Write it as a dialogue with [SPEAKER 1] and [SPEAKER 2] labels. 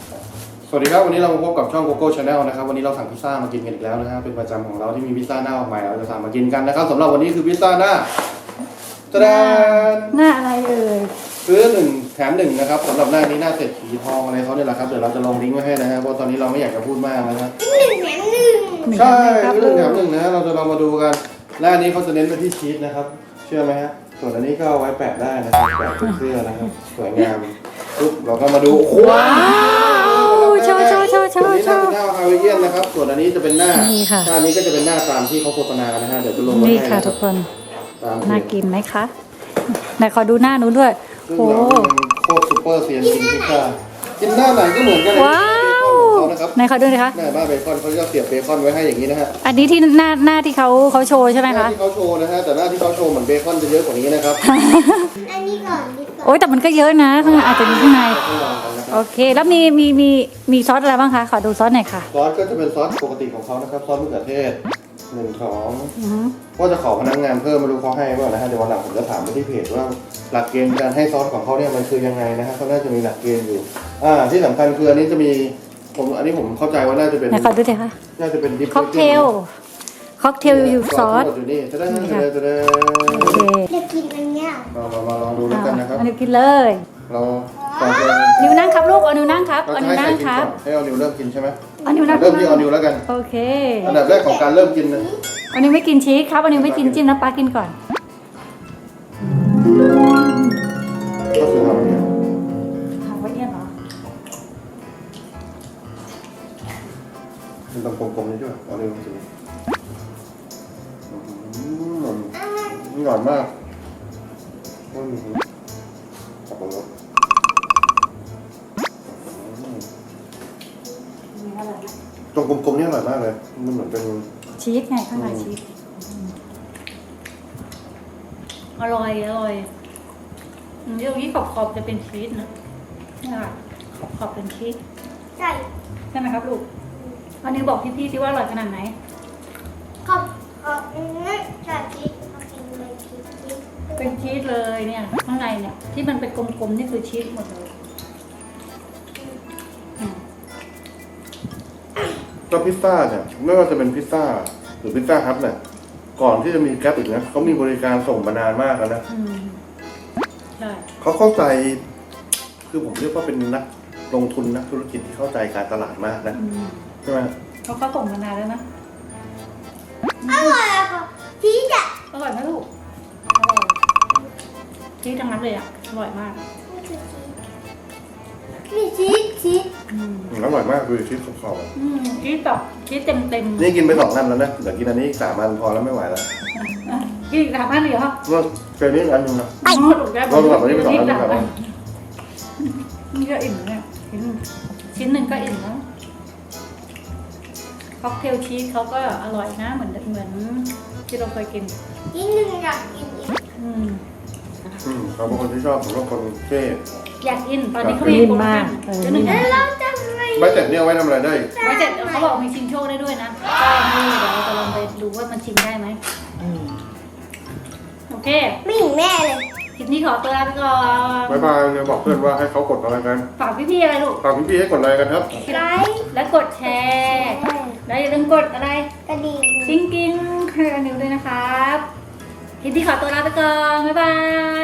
[SPEAKER 1] สวัสดีครับวันนี้เรามาพบกับช่อง Coco Channel นะครับวันนี้เราสั่งพิซซ่ามากินกันอีกแล้วนะครับเป็นประจำของเราที่มีพิซซ่าหน้าออกใหม่เราจะสั่งมากินกันนะครับสำหรับวันนี้คือพิซซ่าหน้าตะแดน
[SPEAKER 2] หน้าอะไรเอ่ย
[SPEAKER 1] ซื้อ1แถม1นะครับสำหรับหน้านี้หน้าเศรษฐีทองอะไรเขาเนี่ยแหละครับเดี๋ยวเราจะลงลิงก์ไว้ให้นะฮะเพราะตอนนี้เราไม่อยากจะพูดมากนะครับใช่ซื้อ1แถม1นะฮะเราจะลองมาดูกันหน้านี้เขาจะเน้นไปที่ชีสนะครับเชื่อไหมฮะส่วนอันนี้ก็เอาไว้แปะได้นะครับแปะเป็นเสื้อนะครับสวยงามปุ๊บเราก็มาดูว้าว
[SPEAKER 2] โชว์
[SPEAKER 1] ตัวนี้หน้าเป็นหน้าฮาวายเอียนนะครับส่วนอันนี้จะเป็นหน้าหน้านี้ก็จะเป็นหน้าตามที่เขาโฆษณากันนะฮะเดี๋ยวจะลงไว้ให้
[SPEAKER 2] นี่ค่ะทุกคนน่ากินไหมคะไหนขอดูหน้าหนูด้วย
[SPEAKER 1] โอ้โคตรซูเปอร์เซียนกินพิซซ่ากินหน้าไหนก็เหมือนกันเลย
[SPEAKER 2] ว้าวไหนขอดูหน่อยคะ
[SPEAKER 1] หน้าบ้าเบคอนเขาจะเสียบเบคอนไว้ให้อย่างนี้นะฮะ
[SPEAKER 2] อันนี้ที่หน้าที่เขาโชว์ใช่ไหมคะ
[SPEAKER 1] หน้าที่เขาโชว์นะฮะแต่หน้าที่เขาโชว์เหมือนเบคอนจะเยอะกว่านี้นะครับ
[SPEAKER 3] อันนี้ก่อน
[SPEAKER 2] โอ้ยแต่มันก็เยอะนะข้างในอาจจะมีข้างในโอเคแล้วมีซอสอะไรบ้างคะขอดูซอสหน่อยค่ะ
[SPEAKER 1] ซอสก็จะเป็นซอสปกติของเขานะครับซอสมะเขือเทศ1 2ว่าจะขอพนักงานเพิ่มไม่รู้เขาให้เปล่านะฮะเดี๋ยววันหลังผมจะถามไปที่เพจว่าหลักเกณฑ์การให้ซอสของเขาเนี่ยมันคือยังไงนะฮะเขาน่าจะมีหลักเกณฑ์อยู่ที่สำคัญคืออันนี้จะมีอันนี้ผมเข้าใจว่าน่าจะเป็น
[SPEAKER 2] ไหนขอดูหน่อยค่ะ
[SPEAKER 1] น่าจะเป็นดิป
[SPEAKER 2] ค็อกเทลอยู่ซอส
[SPEAKER 1] อยู่นี่จะได้โอเค
[SPEAKER 3] จะกินอันเนี้ย
[SPEAKER 1] มาลองดูแล้วกันนะครับ
[SPEAKER 2] อันนี้กินเลย
[SPEAKER 1] เราก่อนจะ
[SPEAKER 2] นิ้วนั่งครับลูกเอานิ้วนั่งครับเอานิ้วนั่งครับ
[SPEAKER 1] ให้เอานิ้วเริ่มกินใช่ไหม
[SPEAKER 2] เอานิ้วนั่ง
[SPEAKER 1] เริ่มที่เอานิ้วแล้วกัน
[SPEAKER 2] โอเค
[SPEAKER 1] อันดับแรกของการเริ่มกินนะ
[SPEAKER 2] เอานิ้วไม่กินชีสครับเอานิ้วไม่กินจิ้มน้ำปลากินก่อน
[SPEAKER 1] ก็คือทำเนี่ย
[SPEAKER 2] ทำไว้เนี่ยเหรอ
[SPEAKER 1] เป็นตรงกลมๆนี่ด้วยเอานิ้วสินี่หวานมากสับปะรดตรงกลมๆนี่อร่อยมากเลยมันเหมือนเป็น
[SPEAKER 2] ชีสไงข้างในชีสอร่อยเดี๋ยวนี้ขอบจะเป็นชีสนะนี่ค่ะขอบเป็นชีส
[SPEAKER 3] ใช่
[SPEAKER 2] ใช่ไหมครับลูกอันนี้บอกพี่ๆสิว่าอร่อยขนาดไหน
[SPEAKER 3] ขอบใช่ชีสกินเลยชีส
[SPEAKER 2] เป็นชีสเลยเนี่ยข้างในเนี่ยที่มันเป็นกลมๆนี่คือชีสหมดเลย
[SPEAKER 1] ก็พิซซ่าเนี่ยไม่ว่าจะเป็นพิซซ่าหรือพิซซ่าฮัทเนี่ยก่อนที่จะมีแก๊ปอีกนะเขามีบริการส่งมานานมากแล้วนะ
[SPEAKER 2] ใช่
[SPEAKER 1] เขาเข้าใจคือผมเรียกว่าเป็นนักลงทุนนักธุรกิจที่เข้าใจการตลาดมากนะใช่ไหม
[SPEAKER 2] เขาส่งมานานแล้วนะ
[SPEAKER 3] อร่อยอะค่ะชีสอะ
[SPEAKER 2] อร่อยไหมลูกชีสทั้งนั้นเลยอ่ะอร่อยมาก
[SPEAKER 3] นี่ชีส
[SPEAKER 1] อร่อยมากดูชีสขอบ
[SPEAKER 2] ชีสแบบชีสเต็ม
[SPEAKER 1] นี่กินไป2 อันแล้วนะเดี๋ยวกินอันนี้3 อันพอแล้วไม่ไหวแล้ว
[SPEAKER 2] กิน3 อันเลยเหรอ
[SPEAKER 1] ว่าเจอนี้อันนึงนะ
[SPEAKER 2] เรา
[SPEAKER 1] แบบนี้ไป2 อันแล้ว
[SPEAKER 2] นี่ก็อิ่มเนี่ยชิ้นหนึ่งก็อิ่มแล้วค็อกเทลชีสเขาก็อร่อยนะเหมือนที่เราเคยกิน
[SPEAKER 3] นิดนึงอยากกินอีก
[SPEAKER 1] เขาเป็นคนที่ชอบผมว่าคนเท่
[SPEAKER 2] อยากกินตอนนี้เขามีโปรโมชั่น
[SPEAKER 3] เราจะ
[SPEAKER 1] ใบเสร็จเนี่ยไว้ทำอะไรได้
[SPEAKER 2] ใบเสร็จเขาบอกมีชิงโชคได้ด้วยนะก็นี่เดี๋ยวเราจะลองไปดูว่ามันชิงได้ไหมโอเค
[SPEAKER 3] ไม่เห็นแม่เลย
[SPEAKER 2] คลิปนี้ขอตัวลาไปก่อน
[SPEAKER 1] บ๊ายบายเลยบอกเพื่อนว่าให้เขากดอะไรกัน
[SPEAKER 2] ฝากพี่ๆอะไรลูก
[SPEAKER 1] ฝากพี่ๆให้กดอะไรกันครับ
[SPEAKER 3] ไลค์
[SPEAKER 2] และกดแชร์และอย่าลืมกดอะไร
[SPEAKER 3] กระดิ่ง
[SPEAKER 2] กิ้งให้กันนิ้วด้วยนะครับคลิปนี้ขอตัวลาไปก่อนบ๊ายบาย